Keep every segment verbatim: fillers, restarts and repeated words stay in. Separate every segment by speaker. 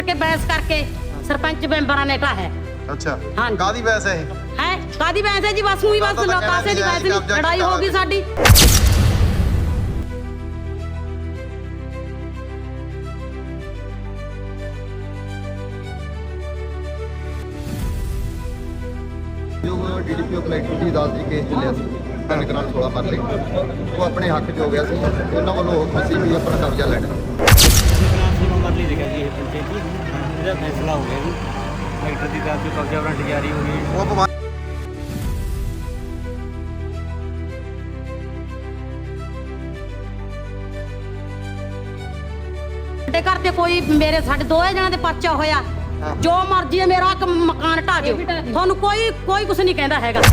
Speaker 1: के बहस करके सरपंच मैंबरां ने कहा है।
Speaker 2: अच्छा
Speaker 1: हाँ
Speaker 2: कादी बहस है
Speaker 1: है कादी बहस है जी बस हुई बस कासे दी बहस नहीं लड़ाई होगी साडी।
Speaker 3: जो डीडीपीओ कलेक्टर ਦੀ ਅਦਾਲਤ ਦੀ ਕੇਸ ਚੱਲਿਆ ਸੀ ਤਿੰਨ ਕਨਾਲ सोलह ਮਰਲੇ ਉਹ ਆਪਣੇ ਹੱਕ 'ਚ ਹੋ ਗਿਆ ਸੀ ਉਹਨਾਂ ਵੱਲੋਂ ਅਸੀਂ ਵੀ ਆਪਣਾ ਕਬਜ਼ਾ ਲੈਣਾ
Speaker 4: ਮਰਲੀ ਲਿਖਿਆ ਜੀ ਇਹ ਪੰਚਾਇਤੀ ਇਹਦਾ ਫੈਸਲਾ ਹੋ ਗਿਆ ਜੀ ਕਲੈਕਟਰ ਦੀ ਅਦਾਲਤ 'ਚ ਕਬਜ਼ਾ ਵਾਰੰਟ ਜਾਰੀ ਹੋ ਗਈ।
Speaker 2: ਉਹ ਭਗਵਾਨ
Speaker 1: ਸਾਡੇ ਘਰ ਤੇ ਕੋਈ ਮੇਰੇ ਸਾਡੇ ਦੋਏ ਜਣਾਂ ਦੇ ਪਰਚਾ ਹੋਇਆ ਜੋ ਮਰਜ਼ੀ ਹੈ ਮੇਰਾ ਕ- ਮਕਾਨ ਢਾ ਦਿਓ ਤੁਹਾਨੂੰ ਕੋਈ ਕੋਈ ਕੁਝ ਨਹੀਂ ਕਹਿੰਦਾ ਹੈਗਾ।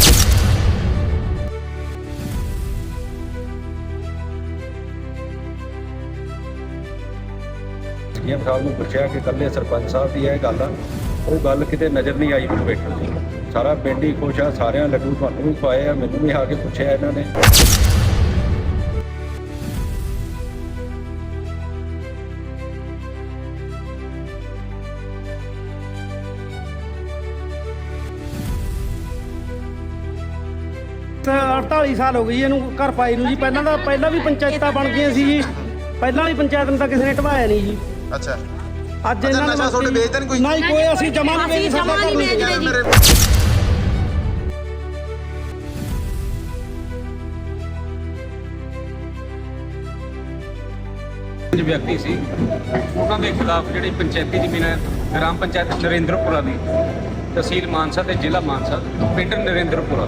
Speaker 5: ਸੀਐਮ ਸਾਹਿਬ ਨੂੰ ਪੁੱਛਿਆ ਕਿ ਇਕੱਲੇ ਸਰਪੰਚ ਸਾਹਿਬ ਦੀ ਇਹ ਗੱਲ ਆ ਉਹ ਗੱਲ ਕਿਤੇ ਨਜ਼ਰ ਨਹੀਂ ਆਈ ਮੈਨੂੰ ਵੇਖਣ ਦੀ। ਸਾਰਾ ਪਿੰਡ ਹੀ ਖੁਸ਼ ਆ, ਸਾਰਿਆਂ ਲੱਡੂ ਤੁਹਾਨੂੰ ਵੀ ਖਵਾਏ ਆ, ਮੈਨੂੰ ਵੀ ਆ ਕੇ ਪੁੱਛਿਆ ਇਹਨਾਂ ਨੇ।
Speaker 6: अड़ताली साल हो गई ਇਹਨੂੰ ਘਰ ਪਾਈ ਨੂੰ ਜੀ। ਪਹਿਲਾਂ ਤਾਂ ਪਹਿਲਾਂ ਵੀ ਪੰਚਾਇਤਾਂ ਬਣ ਗਈਆਂ ਸੀ ਜੀ, ਪਹਿਲਾਂ ਵੀ ਪੰਚਾਇਤ ਨੂੰ ਤਾਂ ਕਿਸੇ ਨੇ ਢਵਾਇਆ ਨਹੀਂ ਜੀ।
Speaker 2: ਅੱਛਾ
Speaker 6: ਅੱਜ ਇਹਨਾਂ ਨੇ
Speaker 2: ਨਸ਼ਾ ਤੁਹਾਡੇ ਵੇਚਦੇ ਨਹੀਂ ਕੋਈ?
Speaker 6: ਨਹੀਂ ਕੋਈ ਅਸੀਂ ਜਮਾ ਨਹੀਂ ਵੇਚ
Speaker 1: ਅਸੀਂ ਜਮਾਂ ਨਹੀਂ ਵੇਚਦੇ ਜੀ।
Speaker 2: ਮੇਰੇ
Speaker 7: ਪੰਜ ਵਿਅਕਤੀ ਸੀ ਉਹਨਾਂ ਦੇ ਖਿਲਾਫ ਜਿਹੜੀ ਪੰਚਾਇਤੀ ਜ਼ਮੀਨ ਹੈ ਗ੍ਰਾਮ ਪੰਚਾਇਤ ਨਰਿੰਦਰਪੁਰਾ ਦੀ ਤਹਿਸੀਲ ਮਾਨਸਾ ਤੇ ਜ਼ਿਲ੍ਹਾ ਮਾਨਸਾ ਪਿੰਡ ਨਰਿੰਦਰਪੁਰਾ।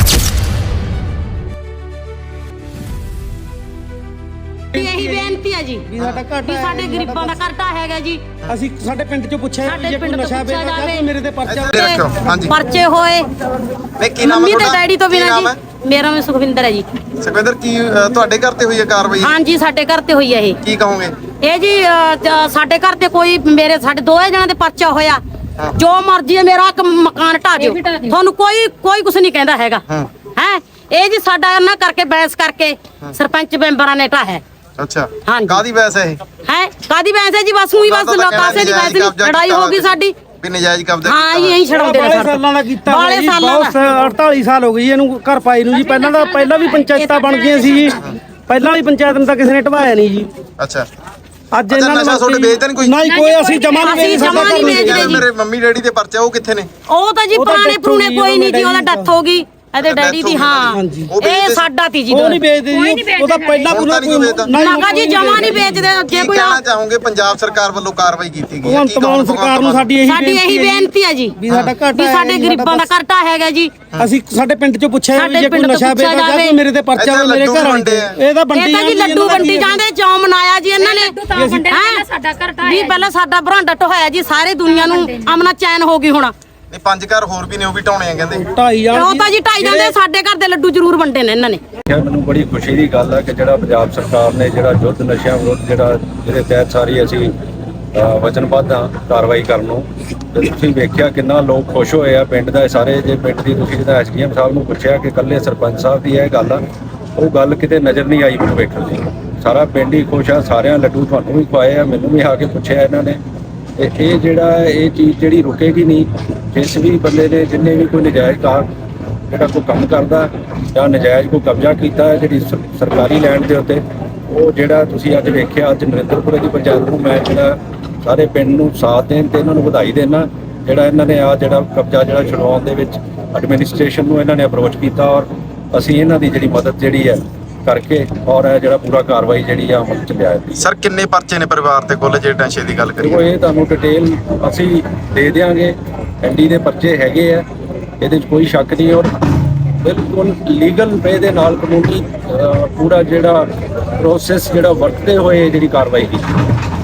Speaker 1: ਇਹੀ ਬੇਨਤੀ ਹੈ ਜੀ
Speaker 6: ਵੀ ਸਾਡਾ ਘਾਟਾ
Speaker 1: ਵੀ
Speaker 6: ਹੈ,
Speaker 1: ਸਾਡੇ ਗਰੀਬਾਂ ਦਾ ਘਾਟਾ ਹੈਗਾ ਜੀ।
Speaker 6: ਅਸੀਂ ਸਾਡੇ ਪਿੰਡ ਚੋਂ ਪੁੱਛਿਆ
Speaker 1: ਸਾਡੇ
Speaker 6: ਵੀ ਜੇ ਕੋਈ
Speaker 1: ਪਿੰਡ ਤੋਂ
Speaker 6: ਨਸ਼ਾ
Speaker 1: ਪੁੱਛਿਆ
Speaker 6: ਵੇਚਦਾ
Speaker 1: ਜਾਵੇ।
Speaker 6: ਤਾਂ ਮੇਰੇ ਤੇ ਪਰਚਾ
Speaker 2: ਇੱਥੇ ਰੱਖਿਓ ਹਾਂਜੀ
Speaker 1: ਪਰਚੇ ਹੋਏ
Speaker 2: ਨਹੀਂ ਕੀ ਨਾਮ ਹੈ
Speaker 1: ਮੰਮੀ ਤੇ
Speaker 2: ਤੁਹਾਡਾ?
Speaker 1: ਡੈਡੀ ਤੋਂ
Speaker 2: ਕੀ
Speaker 1: ਬਿਨਾਂ
Speaker 2: ਨਾਮ ਹੈ?
Speaker 1: ਜੀ। ਮੇਰਾ ਨਾਮ ਸੁਖਵਿੰਦਰ ਹੈ ਜੀ।
Speaker 2: ਸੁਖਵਿੰਦਰ ਕੀ ਅ, ਤੁਹਾਡੇ ਘਰ ਤੇ ਹੋਈ ਹੈ ਕਾਰਵਾਈ?
Speaker 1: ਹਾਂਜੀ ਸਾਡੇ ਘਰ ਤੇ ਹੋਈ ਹੈ ਇਹ
Speaker 2: ਕੀ ਕਹੋਗੇ?
Speaker 1: ਇਹ ਜੀ ਅ, ਜ- ਸਾਡੇ ਘਰ ਤੇ ਕੋਈ ਮੇਰੇ ਸਾਡੇ ਦੋਏ ਜਣਾਂ ਦੇ ਪਰਚਾ ਹੋਇਆ ਜੋ ਮਰਜ਼ੀ ਹੈ ਮੇਰਾ ਕ- ਮਕਾਨ ਢਾ ਦਿਓ ਤੁਹਾਨੂੰ ਕੋਈ ਕੋਈ ਕੁਝ ਨਹੀਂ ਕਹਿੰਦਾ ਹੈਗਾ
Speaker 2: ਹਾਂ
Speaker 1: ਹੈ। ਇਹ ਜੀ ਸਾਡਾ ਨਾ ਕਰਕੇ ਬਹਿਸ ਕਰਕੇ ਸਰਪੰਚ ਮੈਂਬਰਾਂ ਨੇ ਢਾਹਿਆ ਹੈ।
Speaker 2: ਅੱਛਾ
Speaker 1: ਹਾਂਜੀ।
Speaker 2: ਕਾਦੀ ਬਹਿਸ ਹੈ ਇਹ?
Speaker 1: ਹੈ ਕਾਦੀ ਬਹਿਸ ਹੈ ਜੀ ਬਸ ਹੁਈ ਬਸ ਕਾਸੇ ਦੀ ਬਹਿਸ ਨਹੀਂ ਲੜਾਈ ਹੋਗੀ ਸਾਡੀ।
Speaker 2: ਵੀ ਨਜਾਇਜ਼ ਕਬਜ਼ਾ
Speaker 1: ਹਾਂ
Speaker 2: ਕੀਤਾ
Speaker 1: ਇਹੀ ਛਡਾਉਂਦੇ ਨੇ
Speaker 6: ਬਾਲੇ
Speaker 1: ਸਾਡੇ
Speaker 6: ਸਾਲਾਂ ਦਾ ਕੀਤਾ
Speaker 1: ਬਾਲੇ
Speaker 6: ਜੀ,
Speaker 1: ਸਾਲਾਂ
Speaker 6: ਬਹੁਤ
Speaker 1: ਦਾ।
Speaker 6: ਅੜਤਾਲੀ ਸਾਲ ਹੋ ਗਈ ਇਹਨੂੰ ਘਰ ਪਾਈ ਨੂੰ ਜੀ। ਪਹਿਲਾਂ ਤਾਂ ਪਹਿਲਾਂ ਵੀ ਪੰਚਾਇਤਾਂ ਬਣ ਗਈਆਂ ਸੀ ਜੀ, ਪਹਿਲਾਂ ਵੀ ਪੰਚਾਇਤ ਨੂੰ ਤਾਂ ਕਿਸੇ ਨੇ ਢਵਾਇਆ ਨਹੀਂ ਜੀ।
Speaker 2: ਅੱਛਾ
Speaker 6: ਅੱਜ
Speaker 2: ਅੱਛਾ,
Speaker 6: ਇਹਨਾਂ ਨੇ
Speaker 2: ਨਸ਼ਾ ਤੁਹਾਡੇ ਵੇਚਦੇ ਨਹੀਂ ਕੋਈ?
Speaker 6: ਨਹੀਂ ਕੋਈ ਅਸੀਂ ਜਮਾ ਨਹੀਂ
Speaker 1: ਅਸੀਂ
Speaker 6: ਵੇਚ
Speaker 1: ਜਮਾਂ ਨਹੀਂ ਵੇਚਦੇ
Speaker 6: ਸਕਦੇ।
Speaker 1: ਜੀ।
Speaker 2: ਮੇਰੇ ਮੰਮੀ ਡੈਡੀ ਦੇ ਪਰਚੇ ਉਹ ਕਿੱਥੇ ਨੇ?
Speaker 1: ਉਹ ਤਾਂ ਜੀ
Speaker 6: ਉਹ ਤਾਂ
Speaker 1: ਪੁਰਾਣੇ
Speaker 6: death
Speaker 1: ਪੁਰਾਣੇ
Speaker 6: ਹੋ ਗਈ,
Speaker 1: ਕੋਈ ਨਹੀਂ ਜੀ ਉਹਦਾ
Speaker 6: ਉਹਦਾ
Speaker 1: ਡੈਥ ਹੋ ਗਈ ਇਹਦੇ
Speaker 2: death
Speaker 1: ਡੈਡੀ ਦੀ।
Speaker 2: ਹੋ ਗਈ
Speaker 1: ਹਾਂ
Speaker 2: ਹਾਂਜੀ। ਉਹ
Speaker 1: ਇਹ
Speaker 2: ਵੇਚਦੇ-
Speaker 1: ਸਾਡਾ ਤੀ ਜੀ
Speaker 6: ਉਹ ਨਹੀਂ ਵੇਚਦੇ ਜੀ, ਉਹ ਤਾਂ ਪਹਿਲਾਂ
Speaker 2: ਹੁਣ ਤਾਂ ਨਹੀਂ
Speaker 6: ਕੋਈ
Speaker 2: ਵੇਚਦਾ।
Speaker 1: ਨਾ ਕਾ ਜੀ ਜਮਾ ਨਹੀਂ ਵੇਚਦੇ ਜੇ
Speaker 2: ਕੀ
Speaker 1: ਕੋਈ
Speaker 2: ਕਹਿਣਾ ਚਾਹੋਗੇ? ਪੰਜਾਬ ਸਰਕਾਰ ਵੱਲੋਂ ਕਾਰਵਾਈ ਕੀਤੀ ਗਈ ਹੈ,
Speaker 6: ਭਗਵੰਤ
Speaker 2: ਕੀ ਕਹੋਗੇ
Speaker 6: ਮਾਨ ਸਰਕਾਰ ਨੂੰ ਸਾਡੀ ਇਹੀ
Speaker 1: ਸਾਡੀ ਇਹੀ ਬੇਨਤੀ ਹੈ ਜੀ
Speaker 6: ਵੀ ਸਾਡਾ ਘਾਟਾ
Speaker 1: ਵੀ
Speaker 6: ਹੈ
Speaker 1: ਸਾਡੇ
Speaker 6: ਜੀ,
Speaker 1: ਗਰੀਬਾਂ ਦਾ
Speaker 6: ਸਾਡਾ
Speaker 1: ਘਾਟਾ ਹੈਗਾ ਜੀ।
Speaker 6: ਅਸੀਂ ਸਾਡੇ ਪਿੰਡ ਚੋਂ ਪੁੱਛਿਆ ਵੀ
Speaker 1: ਸਾਡੇ
Speaker 6: ਜੇ ਕੋਈ
Speaker 1: ਪਿੰਡ ਤੋਂ
Speaker 6: ਨਸ਼ਾ
Speaker 1: ਪੁੱਛਿਆ
Speaker 6: ਵੇਚਦਾ
Speaker 1: ਜਾਵੇ।
Speaker 6: ਤਾਂ ਮੇਰੇ ਤੇ ਪਰਚਾ
Speaker 2: ਇੱਥੇ
Speaker 6: ਮੇਰੇ
Speaker 2: ਲੱਡੂ
Speaker 6: ਘਰ
Speaker 2: ਵੰਡੇ
Speaker 6: ਆਉਂਦੇ
Speaker 2: ਆ।
Speaker 6: ਇਹ ਤਾਂ
Speaker 1: ਇਹ
Speaker 6: ਵੰਡੀ
Speaker 1: ਤਾਂ ਜੀ ਲੱਡੂ ਵੰਡੀ ਜਾਂਦੇ ਚੌਂ ਮਨਾਇਆ ਜੀ ਇਹਨਾਂ ਨੇ ਸਾਡਾ ਘਾਟਾ ਵੀ ਪਹਿਲਾਂ ਸਾਡਾ ਬਰਾਂਡਾ ਢੋਇਆ ਜੀ ਸਾਰੇ ਦੁਨੀਆ ਨੂੰ ਅਮਨਾ ਚੈਨ ਹੋ ਗਈ ਹੁਣ।
Speaker 2: ਨਹੀਂ ਪੰਜ ਘਰ ਹੋਰ ਵੀ ਨੇ ਉਹ ਵੀ ਢਾਉਣੇ ਆ ਕਹਿੰਦੇ।
Speaker 6: ਢਾਈ ਜਾਣ
Speaker 1: ਉਹ ਤਾਂ ਜੀ ਢਾਈ ਜਾਂਦੇ ਸਾਡੇ ਘਰ ਦੇ ਲੱਡੂ ਜ਼ਰੂਰ ਵੰਡੇ ਨੇ ਇਹਨਾਂ ਨੇ।
Speaker 5: ਕਿਹਾ ਮੈਨੂੰ ਬੜੀ ਖੁਸ਼ੀ ਦੀ ਗੱਲ ਹੈ ਕਿ ਜਿਹੜਾ ਪੰਜਾਬ ਸਰਕਾਰ ਨੇ ਜਿਹੜਾ ਯੁੱਧ ਨਸ਼ਿਆਂ ਵਿਰੁੱਧ ਜਿਹੜਾ ਜਿਹਦੇ ਤਹਿਤ ਸਾਰੀ ਅਸੀਂ ਅ, ਵਚਨਬੱਧ ਹਾਂ ਕਾਰਵਾਈ ਕਰਨ ਨੂੰ। ਤੇ ਤੁਸੀਂ ਵੇਖਿਆ ਕਿੰਨਾ ਲੋਕ ਖੁਸ਼ ਹੋਏ ਆ ਪਿੰਡ ਦਾ ਸਾਰੇ। ਜੇ ਪਿੰਡ ਦੀ ਤੁਸੀਂ ਜਿਹਦਾ ਐਸਡੀਐਮ ਸਾਹਿਬ ਨੂੰ ਪੁੱਛਿਆ ਕਿ ਇਕੱਲੇ ਸਰਪੰਚ ਸਾਹਿਬ ਦੀ ਇਹ ਗੱਲ ਆ ਉਹ ਗੱਲ ਕਿਤੇ ਨਜ਼ਰ ਨਹੀਂ ਆਈ ਮੈਨੂੰ ਵੇਖਣ ਦੀ। ਸਾਰਾ ਪਿੰਡ ਹੀ ਖੁਸ਼ ਆ, ਸਾਰਿਆਂ ਲੱਡੂ ਤੁਹਾਨੂੰ ਵੀ ਖਵਾਏ ਆ, ਮੈਨੂੰ ਵੀ ਆ ਕੇ ਪੁੱਛਿਆ ਇਹਨਾਂ ਨੇ। ਤੇ ਇਹ ਜਿਹੜਾ ਇਹ ਚੀਜ਼ ਜਿਹੜੀ ਰੁਕੇਗੀ ਨਹੀਂ। ਜਿਸ ਵੀ ਬੰਦੇ ਨੇ ਜਿੰਨੇ ਵੀ ਕੋਈ ਨਜਾਇਜ਼ ਕਾਰ ਜਿਹੜਾ ਕੋਈ ਕੰਮ ਕਰਦਾ ਜਾਂ ਨਜਾਇਜ਼ ਕੋਈ ਕਬਜ਼ਾ ਕੀਤਾ ਹੈ ਜਿਹੜੀ ਸਰ- ਸਰਕਾਰੀ ਲੈਂਡ ਦੇ ਉੱਤੇ, ਉਹ ਜਿਹੜਾ ਤੁਸੀਂ ਅੱਜ ਵੇਖਿਆ ਅੱਜ ਨਰਿੰਦਰਪੁਰੇ ਦੀ ਪੰਚਾਇਤ ਨੂੰ ਮੈਂ ਜਿਹੜਾ ਸਾਰੇ ਪਿੰਡ ਨੂੰ ਸਾਥ ਦੇਣ ਤੇ ਇਹਨਾਂ ਨੂੰ ਵਧਾਈ ਦੇਣਾ। ਜਿਹੜਾ ਇਹਨਾਂ ਨੇ ਆ ਜਿਹੜਾ ਕਬਜ਼ਾ ਜਿਹੜਾ ਛੁਡਵਾਉਣ ਦੇ ਵਿੱਚ ਐਡਮਿਨਿਸਟ੍ਰੇਸ਼ਨ ਨੂੰ ਇਹਨਾਂ ਨੇ ਅਪਰੋਚ ਕੀਤਾ ਔਰ ਅਸੀਂ ਇਹਨਾਂ ਦੀ ਜਿਹੜੀ ਮਦਦ ਜਿਹੜੀ ਹੈ ਕਰਕੇ ਔਰ ਇਹ ਜਿਹੜਾ ਪੂਰਾ ਕਾਰਵਾਈ ਜਿਹੜੀ ਆ ਅਮਲ ਚ ਲਿਆਇਆ।
Speaker 2: ਸਰ ਕਿੰਨੇ ਪਰਚੇ ਨੇ ਪਰਿਵਾਰ ਤੇ ਕੁੱਲ ਜੇ ਨਸ਼ੇ ਦੀ ਗੱਲ
Speaker 5: ਦੇਖੋ
Speaker 2: ਕਰੀਏ?
Speaker 5: ਇਹ ਤੁਹਾਨੂੰ ਡਿਟੇਲ ਅਸੀਂ ਦੇ ਦਿਆਂਗੇ। ਐਨਡੀ ਦੇ ਪਰਚੇ ਹੈਗੇ ਆ, ਇਹਦੇ 'ਚ ਕੋਈ ਸ਼ੱਕ ਨਹੀਂ ਔਰ ਬਿਲਕੁਲ ਲੀਗਲ ਵੇ ਦੇ ਨਾਲ ਕਾਨੂੰਨੀ ਅ, ਪੂਰਾ ਜਿਹੜਾ ਪ੍ਰੋਸੈਸ ਜਿਹੜਾ ਵਰਤਦੇ ਹੋਏ ਜਿਹੜੀ ਕਾਰਵਾਈ ਕੀਤੀ।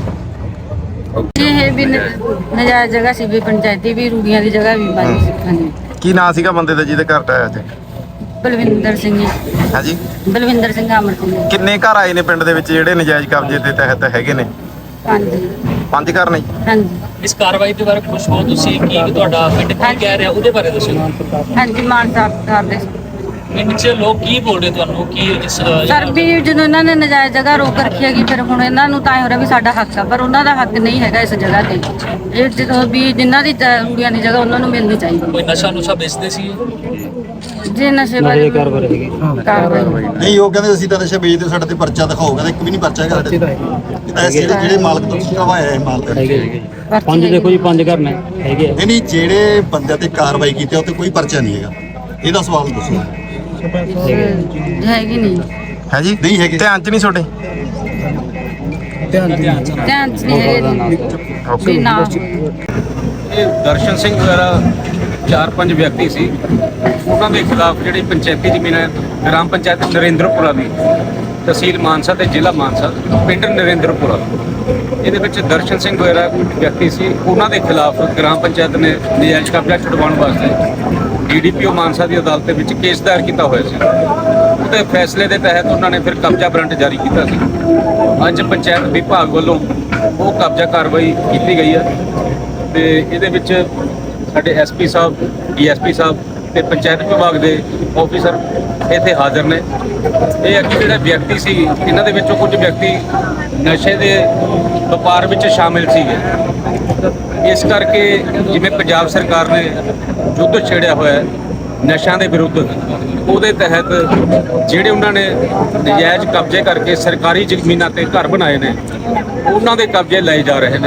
Speaker 8: ਇਹ ਵੀ ਨ- ਨਜਾਇਜ਼ ਜਗ੍ਹਾ ਸੀ ਵੀ ਪੰਚਾਇਤੀ ਵੀ ਰੂੜੀਆਂ ਦੀ ਜਗ੍ਹਾ ਵੀ ਬਾਜੀ ਸਿੱਖਾਂ ਦੀ।
Speaker 2: ਕੀ ਨਾਂ ਸੀਗਾ ਬੰਦੇ ਦਾ ਜਿਹਦੇ ਘਰ ਟਾਇਆ ਅੱਜ?
Speaker 8: ਬਲਵਿੰਦਰ ਸਿੰਘ ਜੀ,
Speaker 2: ਹਾਂਜੀ
Speaker 8: ਬਲਵਿੰਦਰ ਸਿੰਘ ਅਮਰ ਸਿੰਘ ਜੀ।
Speaker 2: ਕਿੰਨੇ ਘਰ ਆਏ ਨੇ ਪਿੰਡ ਦੇ ਵਿੱਚ ਜਿਹੜੇ ਨਜਾਇਜ਼ ਕਬਜ਼ੇ ਦੇ ਤਹਿਤ ਹੈਗੇ ਨੇ?
Speaker 8: ਹਾਂਜੀ
Speaker 2: ਪੰਜ ਘਰ ਨੇ।
Speaker 8: ਹਾਂਜੀ
Speaker 4: ਇਸ ਕਾਰਵਾਈ ਦੇ ਬਾਰੇ ਪੁੱਛੋ ਤੁਸੀਂ ਕੀ ਤੁਹਾਡਾ ਪਿੰਡ ਕੀ ਕਹਿ ਰਿਹਾ ਉਹਦੇ ਬਾਰੇ ਦੱਸੋ।
Speaker 8: ਹਾਂਜੀ ਮਾਨ ਸਾਹਿਬ ਕਰਦੇ ਸੀ।
Speaker 9: ਨੀਚੇ ਲੋਕ ਕੀ ਬੋਲ ਰਹੇ ਤੁਹਾਨੂੰ ਕੀ ਇਸ
Speaker 8: ਸਰ ਵੀ ਜਦੋਂ ਇਹਨਾਂ ਨੇ ਨਜਾਇਜ਼ ਜਗ੍ਹਾ ਰੋਕ ਰੱਖੀ ਹੈਗੀ ਫਿਰ ਹੁਣ ਇਹਨਾਂ ਨੂੰ ਤਾਂ ਇਹ ਹੋ ਰਿਹਾ ਵੀ ਸਾਡਾ ਹੱਕ ਆ ਪਰ ਉਹਨਾਂ ਦਾ ਹੱਕ ਨਹੀਂ ਹੈਗਾ ਇਸ ਜਗ੍ਹਾ ਤੇ ਇਹ ਜਦੋਂ ਵੀ ਜਿਨ੍ਹਾਂ ਦੀ ਜ- ਰੂੜੀਆਂ ਦੀ ਜਗ੍ਹਾ ਉਹਨਾਂ ਨੂੰ ਮਿਲਣੀ ਚਾਹੀਦੀ
Speaker 9: ਕੋਈ ਨਸ਼ਾ ਨੁਸ਼ਾ ਵੇਚਦੇ ਸੀ
Speaker 8: ਜੇ ਨਸ਼ੇ ਬਾਰੇ ਕਾਰਵਾਈ ਕਾਰਵਾਈ
Speaker 3: ਨਹੀਂ ਉਹ ਕਹਿੰਦੇ ਅਸੀਂ ਤਾਂ ਨਸ਼ਾ ਵੇਚਦੇ ਸਾਡੇ ਤੇ ਪਰਚਾ ਦਿਖਾਓ ਕਹਿੰਦੇ ਇੱਕ ਵੀ ਨਹੀਂ ਪਰਚਾ ਹੈਗਾ ਸਾਡੇ ਤੇ ਐਸੇ ਜਿਹੜੇ ਜਿਹੜੇ ਮਾਲਕ ਤੋਂ ਤੁਸੀਂ ਕਢਵਾਇਆ ਇਹ ਮਾਲ ਤੇ
Speaker 8: ਪੰਜ ਦੇਖੋ ਜੀ
Speaker 6: ਪੰਜ ਘਰ ਨੇ ਹੈਗੇ
Speaker 3: ਨਹੀਂ ਨਹੀਂ ਜਿਹੜੇ ਬੰਦਿਆਂ ਤੇ ਕਾਰਵਾਈ ਕੀਤੀ ਉਹ ਤੇ ਕੋਈ ਪਰਚਾ ਨਹੀਂ ਹੈਗਾ ਇਹਦਾ ਸਵਾਲ ਦੱਸੋ
Speaker 8: ਹੈਗੀ ਨਹੀਂ
Speaker 2: ਹੈ ਜੀ
Speaker 3: ਨਹੀਂ ਹੈਗੇ।
Speaker 2: ਧਿਆਨ ਚ ਨਹੀਂ ਤੁਹਾਡੇ
Speaker 8: ਧਿਆਨ ਚ ਨਹੀਂ ਹੈਗੇ ਵੀ ਨਾ
Speaker 7: ਇਹ ਦਰਸ਼ਨ ਸਿੰਘ ਵਗੈਰਾ ਚਾਰ ਪੰਜ ਵਿਅਕਤੀ ਸੀ ਉਹਨਾਂ ਦੇ ਖਿਲਾਫ ਜਿਹੜੀ ਪੰਚਾਇਤੀ ਜ਼ਮੀਨ ਹੈ ਗ੍ਰਾਮ ਪੰਚਾਇਤ ਨਰਿੰਦਰਪੁਰਾ ਦੀ ਤਹਿਸੀਲ ਮਾਨਸਾ ਤੇ ਜ਼ਿਲ੍ਹਾ ਮਾਨਸਾ ਪਿੰਡ ਨਰਿੰਦਰਪੁਰਾ ਇਹਦੇ ਵਿੱਚ ਦਰਸ਼ਨ ਸਿੰਘ ਵਗੈਰਾ ਵਿਅਕਤੀ ਸੀ ਉਹਨਾਂ ਦੇ ਖਿਲਾਫ ਗ੍ਰਾਮ ਪੰਚਾਇਤ ਨੇ ਨਜਾਇਜ਼ ਕਬਜ਼ਾ ਛੁਡਵਾਉਣ ਵਾਸਤੇ ਡੀਡੀਪੀਓ ਮਾਨਸਾ ਦੀ ਅਦਾਲਤ ਦੇ ਵਿੱਚ ਕੇਸ ਦਾਇਰ ਕੀਤਾ ਹੋਇਆ ਸੀ ਉਹਦੇ ਫੈਸਲੇ ਦੇ ਤਹਿਤ ਉਹਨਾਂ ਨੇ ਫਿਰ ਕਬਜ਼ਾ ਵਾਰੰਟ ਜਾਰੀ ਕੀਤਾ ਸੀ ਅੱਜ ਪੰਚਾਇਤ ਵਿਭਾਗ ਵੱਲੋਂ ਉਹ ਕਬਜ਼ਾ ਕਾਰਵਾਈ ਕੀਤੀ ਗਈ ਹੈ ਤੇ ਇਹਦੇ ਵਿੱਚ ਸਾਡੇ ਐਸਪੀ ਸਾਹਿਬ ਡੀਐਸਪੀ ਸਾਹਿਬ ਤੇ ਪੰਚਾਇਤ ਵਿਭਾਗ ਦੇ ਆਫੀਸਰ ਇੱਥੇ ਹਾਜ਼ਰ ਨੇ ਇਹ ਅੱਗੇ ਜਿਹੜੇ ਵਿਅਕਤੀ ਸੀ ਇਹਨਾਂ ਦੇ ਵਿੱਚੋਂ ਕੁਝ ਵਿਅਕਤੀ ਨਸ਼ੇ ਦੇ ਵਪਾਰ ਵਿੱਚ ਸ਼ਾਮਿਲ ਸੀਗੇ ਇਸ ਕਰਕੇ ਜਿਵੇਂ ਪੰਜਾਬ ਸਰਕਾਰ ਨੇ ਯੁੱਧ ਛੇੜਿਆ ਹੋਇਆ ਹੈ ਨਸ਼ਿਆਂ ਦੇ ਵਿਰੁੱਧ ਉਹਦੇ ਤਹਿਤ ਜਿਹੜੇ ਉਹਨਾਂ ਨੇ ਨਜਾਇਜ਼ ਕਬਜ਼ੇ ਕਰਕੇ ਸਰਕਾਰੀ ਜ਼ਮੀਨਾਂ ਤੇ ਘਰ ਬਣਾਏ ਨੇ ਉਹਨਾਂ ਦੇ ਕਬਜ਼ੇ ਲਏ ਜਾ ਰਹੇ ਨੇ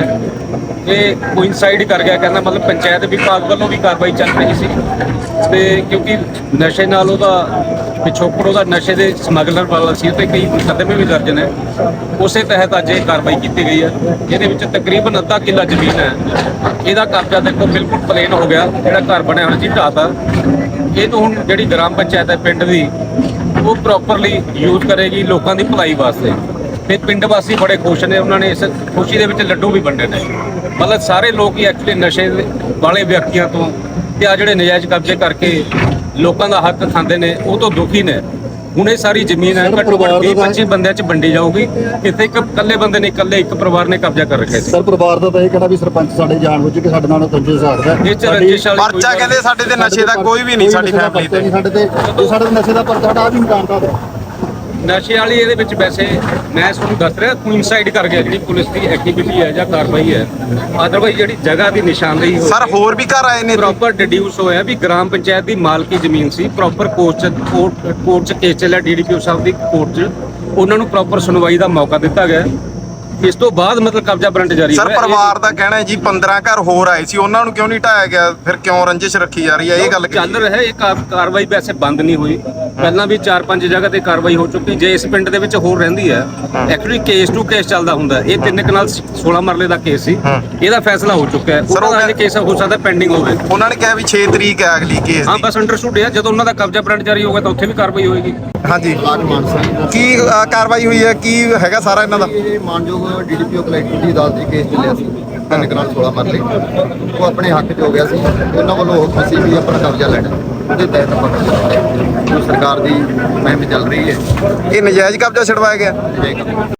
Speaker 7: ਇਹ ਕੋਇਨਸਾਈਡ ਕਰ ਗਿਆ ਕਹਿੰਦਾ ਮਤਲਬ ਪੰਚਾਇਤ ਵਿਭਾਗ ਵੱਲੋਂ ਵੀ ਕਾਰਵਾਈ ਚੱਲ ਰਹੀ ਸੀ ਤੇ ਕਿਉਂਕਿ ਨਸ਼ੇ ਨਾਲ ਉਹਦਾ ਪਿਛੋਕੜ ਉਹਦਾ ਨਸ਼ੇ ਦੇ ਸਮਗਲਰ ਵਾਲਾ ਸੀ ਤੇ ਕਈ ਮੁਕੱਦਮੇ ਵੀ ਦਰਜ ਨੇ ਉਸੇ ਤਹਿਤ ਅੱਜ ਇਹ ਕਾਰਵਾਈ ਕੀਤੀ ਗਈ ਹੈ ਇਹਦੇ ਵਿੱਚ ਤਕਰੀਬਨ ਅੱਧਾ ਕਿੱਲਾ ਜ਼ਮੀਨ ਹੈ ਇਹਦਾ ਕਬਜ਼ਾ ਦੇਖੋ ਬਿਲਕੁਲ ਪਲੇਨ ਹੋ ਗਿਆ ਜਿਹੜਾ ਘਰ ਬਣਿਆ ਹੋਇਆ ਸੀ ਢਾਤਾ ਇਹ ਤੋਂ ਹੁਣ ਜਿਹੜੀ ਗ੍ਰਾਮ ਪੰਚਾਇਤ ਹੈ ਪਿੰਡ ਦੀ ਉਹ ਪ੍ਰੋਪਰਲੀ ਯੂਜ਼ ਕਰੇਗੀ ਲੋਕਾਂ ਦੀ ਭਲਾਈ ਵਾਸਤੇ ਤੇ ਪਿੰਡ ਵਾਸੀ ਬੜੇ ਖੁਸ਼ ਨੇ ਉਹਨਾਂ ਨੇ ਇਸ ਖੁਸ਼ੀ ਦੇ ਵਿੱਚ ਲੱਡੂ ਵੀ ਵੰਡੇ ਨੇ ਮਤਲਬ ਸਾਰੇ ਲੋਕ ਹੀ ਐਕਚੁਅਲੀ ਨਸ਼ੇ ਵਾਲੇ ਵਿਅਕਤੀਆਂ ਤੋਂ ਤੇ ਆ ਜਿਹੜੇ ਨਜਾਇਜ਼ ਕਬਜ਼ੇ ਕਰਕੇ ਲੋਕਾਂ ਦਾ ਹੱਕ ਖਾਂਦੇ ਨੇ ਉਹ ਤੋਂ ਦੁਖੀ ਨੇ ਹੁਣ ਇਹ ਸਾਰੀ ਜ਼ਮੀਨ ਹੈ ਘੱਟੋ ਘੱਟ ਵੀਹ ਪੱਚੀ ਬੰਦਿਆਂ 'ਚ ਵੰਡੀ ਜਾਊਗੀ ਇੱਥੇ ਇੱਕ ਇਕੱਲੇ ਬੰਦੇ ਨੇ ਇਕੱਲੇ ਇੱਕ ਪਰਿਵਾਰ ਨੇ ਕਬਜ਼ਾ ਕਰ ਰੱਖਿਆ ਸੀ
Speaker 3: ਸਰ ਪਰਿਵਾਰ ਦਾ ਤਾਂ ਇਹ ਕਹਿਣਾ ਵੀ ਸਰਪੰਚ ਸਾਡੇ ਜਾਣ ਬੁੱਝ ਕੇ ਸਾਡੇ ਨਾਲ ਤੰਜੇ ਸਾੜਦਾ
Speaker 7: ਇਹ ਚ ਰੰਜਿਸ਼ ਵਾਲੀ ਕੋਈ
Speaker 2: ਪਰਚਾ
Speaker 7: ਗੱਲ
Speaker 2: ਕਹਿੰਦੇ ਸਾਡੇ ਤੇ ਨਸ਼ੇ ਦਾ ਕੋਈ ਵੀ ਨਹੀਂ ਸਾਡੀ ਫੈਮਿਲੀ ਤੇ
Speaker 3: ਸਾਡੇ ਤੇ ਜੇ ਸਾਡੇ ਤੇ ਨਸ਼ੇ ਦਾ ਪਰਚਾ ਹਟਾ ਵੀ ਮਕਾਨ ਦਾ
Speaker 7: ਨਸ਼ੇ ਵਾਲੀ ਇਹਦੇ ਵਿੱਚ ਵੈਸੇ ਮੈਂ ਤੁਹਾਨੂੰ ਦੱਸ ਰਿਹਾ ਕੋਇਨਸਾਈਡ ਕਰ ਗਿਆ ਜਿਹੜੀ ਪੁਲਿਸ ਦੀ ਐਕਟੀਵਿਟੀ ਹੈ ਜਾਂ ਕਾਰਵਾਈ ਹੈ ਅਦਰਵਾਈਜ਼ ਜਿਹੜੀ ਜਗ੍ਹਾ ਦੀ ਨਿਸ਼ਾਨਦੇਹੀ ਹੋਈ
Speaker 2: ਸਰ ਹੋਰ ਵੀ ਘਰ ਆਏ ਨੇ
Speaker 7: ਪ੍ਰੋਪਰ ਡਿਡਿਊਸ ਹੋਇਆ ਵੀ ਗ੍ਰਾਮ ਪੰਚਾਇਤ ਦੀ ਮਾਲਕੀ ਜ਼ਮੀਨ ਸੀ ਪ੍ਰੋਪਰ ਕੋਰਟ ਚ ਕੋਰਟ ਚ ਕੇਸ ਚੱਲਿਆ ਡੀਡੀਪੀਓ ਸਾਹਿਬ ਦੀ ਕੋਰਟ ਚ ਉਹਨਾਂ ਨੂੰ ਪ੍ਰੋਪਰ ਸੁਣਵਾਈ ਦਾ ਮੌਕਾ ਦਿੱਤਾ ਗਿਆ ਇਸ ਤੋਂ ਬਾਅਦ ਮਤਲਬ ਕਬਜ਼ਾ ਵਾਰੰਟ ਜਾਰੀ
Speaker 2: ਸਰ
Speaker 7: ਹੋਇਆ। ਇਹ-
Speaker 2: ਪਰਿਵਾਰ ਦਾ ਕਹਿਣਾ ਹੈ ਜੀ ਪੰਦਰਾਂ ਘਰ ਹੋਰ ਆਏ ਸੀ ਉਹਨਾਂ ਨੂੰ ਕਿਉਂ ਨਹੀਂ ਢਾਇਆ ਗਿਆ ਫਿਰ ਕਿਉਂ ਰੰਜਿਸ਼ ਰੱਖੀ ਜਾ ਰਹੀ ਹੈ ਇਹ ਗੱਲ
Speaker 7: ਚੱਲ ਰਿਹਾ ਇਹ ਕਾ- ਕਾਰਵਾਈ ਵੈਸੇ ਬੰਦ ਨਹੀਂ ਹੋਈ ਪਹਿਲਾਂ ਵੀ ਚਾਰ ਪੰਜ ਜਗ੍ਹਾ ਤੇ ਕਾਰਵਾਈ ਹੋ ਚੁੱਕੀ ਜੇ ਇਸ ਪਿੰਡ ਦੇ ਵਿੱਚ ਹੋਰ ਰਹਿੰਦੀ ਹੈ ਐਕਚੁਅਲੀ ਕੇਸ ਟੂ ਕੇਸ ਚੱਲਦਾ ਹੁੰਦਾ ਇਹ ਤਿੰਨ ਕਨਾਲ ਸੋਲਾਂ ਮਰਲੇ ਦਾ ਕੇਸ ਸੀ ਇਹਦਾ ਫੈਸਲਾ ਹੋ ਚੁੱਕਾ ਹੈ
Speaker 2: Sir, ਉਹ
Speaker 7: ਉਹਦਾ
Speaker 2: ਕਹਿ-
Speaker 7: ਕੇਸ ਹੋ ਸਕਦਾ ਪੈਂਡਿੰਗ ਹੋਵੇ
Speaker 2: ਉਹਨਾਂ ਨੇ ਕਿਹਾ ਵੀ ਛੇ ਤਰੀਕ ਹੈ ਅਗਲੀ ਕੇਸ
Speaker 7: ਹਾਂ
Speaker 2: ਦੀ
Speaker 7: ਬਸ ਅੰਡਰਸਟੂਡ ਹੈ ਜਦੋਂ ਉਹਨਾਂ ਦਾ ਕਬਜ਼ਾ ਵਾਰੰਟ ਜਾਰੀ ਹੋਗਾ ਤਾਂ ਉੱਥੇ ਵੀ ਕਾਰਵਾਈ ਹੋਏਗੀ
Speaker 2: ਹਾਂਜੀ
Speaker 3: ਬਲਾਕ ਮਾਨਸਾ
Speaker 2: ਕੀ ਅ, ਕਾਰਵਾਈ ਹੋਈ ਹੈ ਕੀ ਹੈਗਾ ਸਾਰਾ ਇਹਨਾਂ ਦਾ
Speaker 3: ਇਹ ਮਾਨਯੋਗ ਡੀਡੀਪੀਓ ਕਲੈਕਟਰ ਦੀ ਅਦਾਲਤ ਦੀ ਕੇਸ ਚੱਲਿਆ ਸੀ ਤਿੰਨ ਕਨਾਲ ਸੋਲਾਂ ਮਰਲੇ ਉਹ ਆਪਣੇ ਹੱਕ 'ਚ ਹੋ ਗਿਆ ਸੀ ਉਹਨਾਂ ਵੱਲੋਂ ਹੁਕਮ ਸੀ ਵੀ ਆਪਣਾ ਕਬਜ਼ਾ ਲੈਣਾ ਉਹਦੇ ਤਹਿਤ ਆਪਾਂ ਕਬਜ਼ਾ ਲਿਆ। ਜੋ ਸਰਕਾਰ ਦੀ ਮੁਹਿੰਮ ਚੱਲ ਰਹੀ ਹੈ
Speaker 2: ਇਹ ਨਜਾਇਜ਼ ਕਬਜ਼ਾ ਛਡਵਾਇਆ ਗਿਆ
Speaker 3: ਇਹ